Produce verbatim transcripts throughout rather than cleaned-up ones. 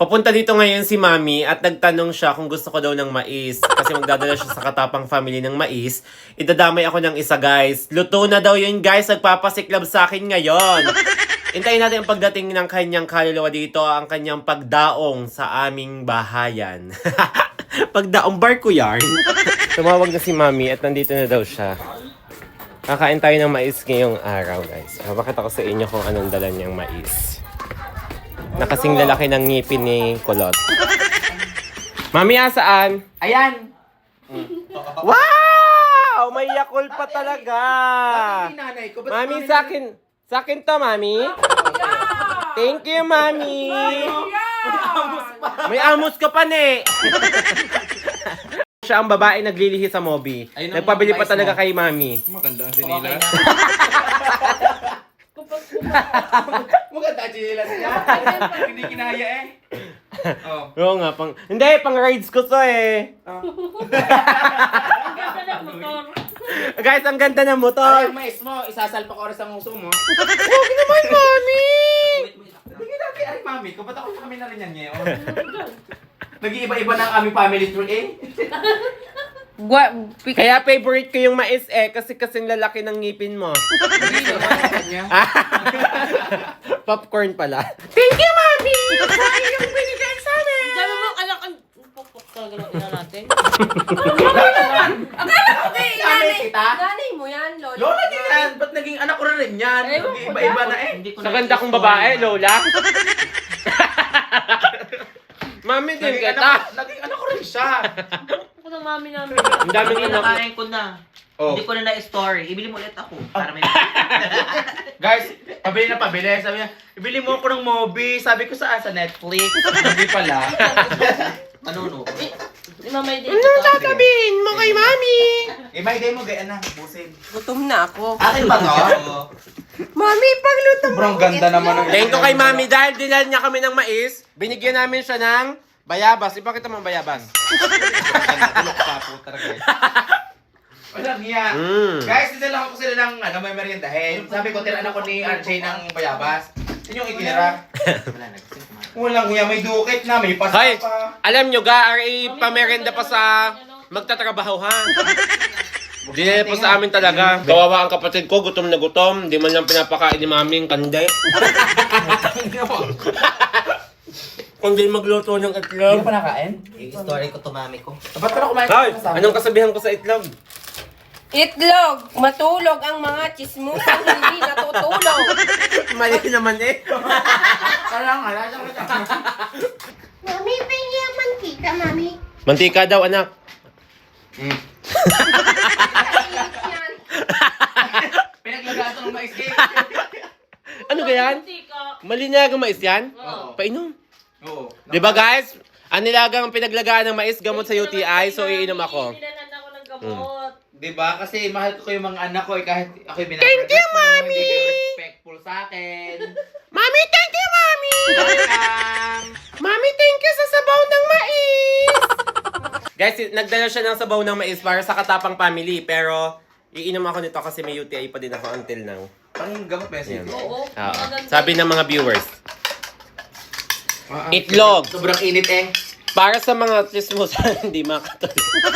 Papunta dito ngayon si Mami at nagtanong siya kung gusto ko daw ng mais. Kasi magdadala siya sa Katapang family ng mais. Idadamay ako ng isa, guys. Luto na daw yun, guys. Nagpapasiklab sa akin ngayon. Hintayin natin ang pagdating ng kanyang kaluluwa dito, ang kanyang pagdaong sa aming bahayan. Pagdaong barko yarn. Tumawag na si Mami at nandito na daw siya. Kakain tayo ng mais ngayong araw, guys. Papakita ko sa inyo kung anong dala niyang mais. Nakasing lalaki ng ngipin ni Kulot. Mami, asaan? Ayan! Wow! May Yakult pa talaga! Bakit nanay ko? Ba't Mami, mami sa akin, sa akin to, Mami. Thank you, Mami. May amos ka pa, ne. Siya ang babae naglilihi sa Mobi. Ayun ang Nagpabili pa mais talaga mo. kay Mami. Maganda ang sinilas. Maganda ang sinilas niya. Hindi kinaya eh. Oh. Oo nga, pang... Hindi, pang rides ko to eh. Guys, ang ganda ng Ay, motor. ang mais mo, isasalpak oras ang uso mo. Huwag naman, Mami. Hindi natin, ay mami ko, ba't ako kami na rin yan ngayon? Nag-iiba-iba na ang aming family tree eh. Gwa, Kaya favorite ko yung mais eh, kasi kasing lalaki ng ngipin mo. Hindi naman ang kanya. Popcorn pala. Thank you, Mami! Sayang yung binigay sa amin! Sabi mo, anak, ang pupok talaga ng ina natin. Akala ko kay nanay kita. Nanay mo yan, Lola. Lola din yan, ba't naging anak ko na rin yan? Ewan ko Nag-iiba-iba na eh. Sa ganda kong babae, Lola. Mami din Naging kita. anak, naging anak ko rin siya. Ako ng mami namin. Ang daming anak. Pinakain ko na. Oh. Hindi ko na na-story. Ibili mo ulit ako. Para may... Guys, pabili na pabili. Sabi niya, ibili mo ako ng movie. Sabi ko saan? Sa Netflix. Hindi pala. Manuno. Di mamay din Anong ito. sasabihin mo kay Mami? Eh, may day mo, gaya na. Busin. Gutom na ako. Akin ba to? Mami, pagluto mo. Sobrang ganda naman ng... Thank you kay Mami dahil dinal niya kami ng mais. Binigyan namin siya ng bayabas. Ipakita mo ang bayabas. Tulok pa po talaga eh. Walang hiya. Mm. Guys, dinala ko sila ng ano, may meriendahin. Sabi ko, tiran ako ni R J ng bayabas. Yun yung itinira. Wala na. Kasi kumain. Walang hiya, may dukit na, may pasta Hoy, pa. alam nyo ga, R A pamerenda pa sa magtatrabaho ha. Di na po sa amin talaga. Kawawa ang kapatid ko, gutom na gutom. Di man lang pinapakain ni Mami ang kande. Kung di magluto ng itlog. pa nakain? I-story ko to mami ko. Ba't pala kumain Hoy, ka sa anong kasabihan ko sa itlog? Itlog, matulog ang mga chismusang hindi natutulog. Mali naman eh. Kala nga, lasa ko ito. Mami, pengi ang mantika, Mami. Mantika daw, anak. Mm. Kainit yan. Pinaglagaan ito ng mais cake. Ano ba yan? Mantika. Malinagang mais yan? Oo. Painom. Oo. Di ba guys? Ang nilagang pinaglagaan ng mais, gamot sa U T I, so iinom ako. Dinalan ako ng gamot. Diba? Kasi mahal ko yung mga anak ko eh, kahit ako'y binabagay. Thank you, Mami! Hindi kayo respectful sa akin. Mami, thank you, Mami! Welcome! Mami, thank you sa sabaw ng mais! Guys, nagdala siya ng sabaw ng mais para sa Katapang family, pero iinom ako nito kasi may U T I pa din ako until now. Pang gamot ba Yan. yan? Oo. Oo. Maganda. Sabi ng mga viewers, Ah, ah. itlog Sobrang init eh. para sa mga chismosan hindi makatuloy.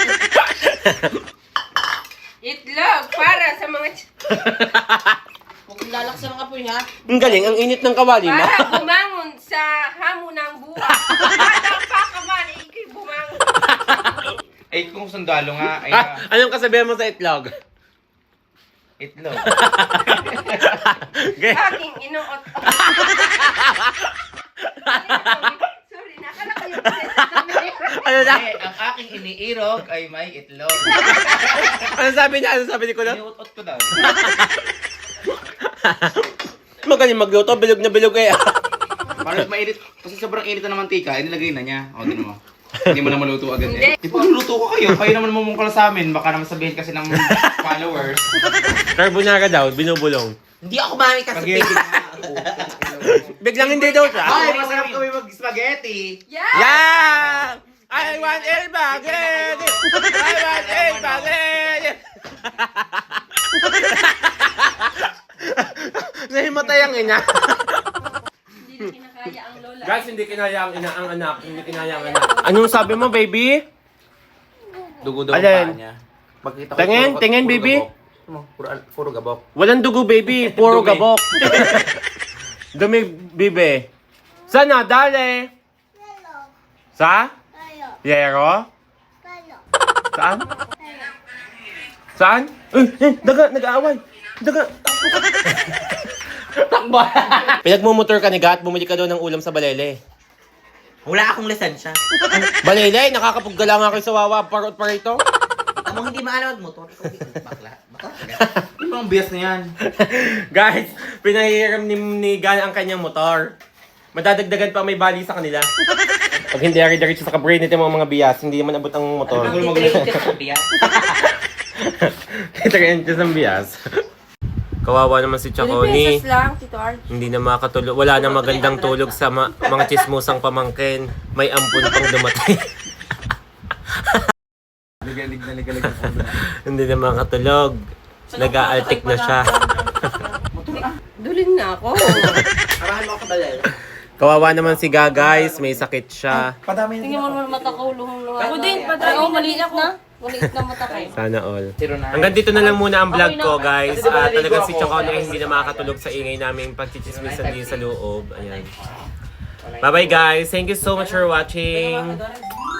Itlog para sa mga... Huwag kang lalaksan ng apoy, ha? Ang galing, ang init ng kawali mo. Para bumangon sa hamon ng buhay. Bata pa ka man, ikay bumangon. Eh, kung sundalo nga, ay Ah, anong kasabihan mo sa itlog? itlog. Okay. Aking inuot. Sorry, nakala ko yung Ano na? Eh, ang aking iniirog ay may itlog. Ano sabi niya? Ano sabi ni Kulot? Iniutot ko daw. Magaling magluto, bilog na bilog eh. Parang mainit. Kasi sobrang init na ng mantika, inilagay na niya. O, din mo. Hindi mo na maluto agad Hindi. eh. Di ba, luto ko kayo? Kayo naman mamungkala sa amin. Baka naman sabihin kasi ng followers. Carbonara daw, binubulong. Hindi ako mami kasi Spaghetti. Biglang hindi daw siya. Ay, masarap kami mag-spaghetti. Yeah! Yeah! I want el spaghetti! I want el spaghetti! Nahimatay ang ina. Hindi na kinakain. kinaya ang lola. Guys, hindi kinaya ang ina ang anak. Hindi kinaya ang anak. Anong sabi mo, baby? Dugo daw ang Alin? paa niya. Pagkita ko, Tingin, puro- tingin, puro baby. gabok. Ano, Puro, puro gabok. Walang dugo, baby. Puro Dumi. gabok. Dumi, bibe. Saan na? Dali. Lalo. Sa? Lalo. Yero? Lalo. Saan? Saan? Eh, eh, daga, nag-aaway. Daga. Takbo! Pinagmumotor ka ni Gat, bumili ka daw ng ulam sa Balele. Wala akong lisensya. Balele, nakakapaggala nga kayo sa Wawa, parot pa rito. Tamang hindi maalam at motor. Ikaw, bakla. Bakla. Ano bang bias na yan? Guys, pinahiram ni, ni Gan ang kanyang motor. Madadagdagan pa may bali sa kanila. Pag hindi ari-diretso sa kabrain nito mga mga bias, hindi naman abot ang motor. Ano bang titreat sa biya? three inches ang bias. Kawawa naman si three Chaconi. pesos lang, Tito Arch. Hindi na makatulog. Wala na magandang tulog sa ma- mga chismusang pamangkin. May ampun pang dumating. Ligalig na ligalig ang ulo. Hindi na makatulog. Nag-aaltik na siya. Dulin na ako. Arahan mo ako balay. Kawawa naman si Ga, guys. May sakit siya. Padami Tingnan mo naman mata ko, luhong-luha. Ako din, padrag ako, maliit na. Maliit na mata ko. Sana all. Zero nine. Hanggang dito na lang muna ang vlog ko, guys. Kasi diba At naligo talagang si ako, Chaconi kaya ay hindi na kasi- makakatulog sa ingay namin pagchichismisan din sa loob. Ayan. Bye-bye, guys. Thank you so much for watching.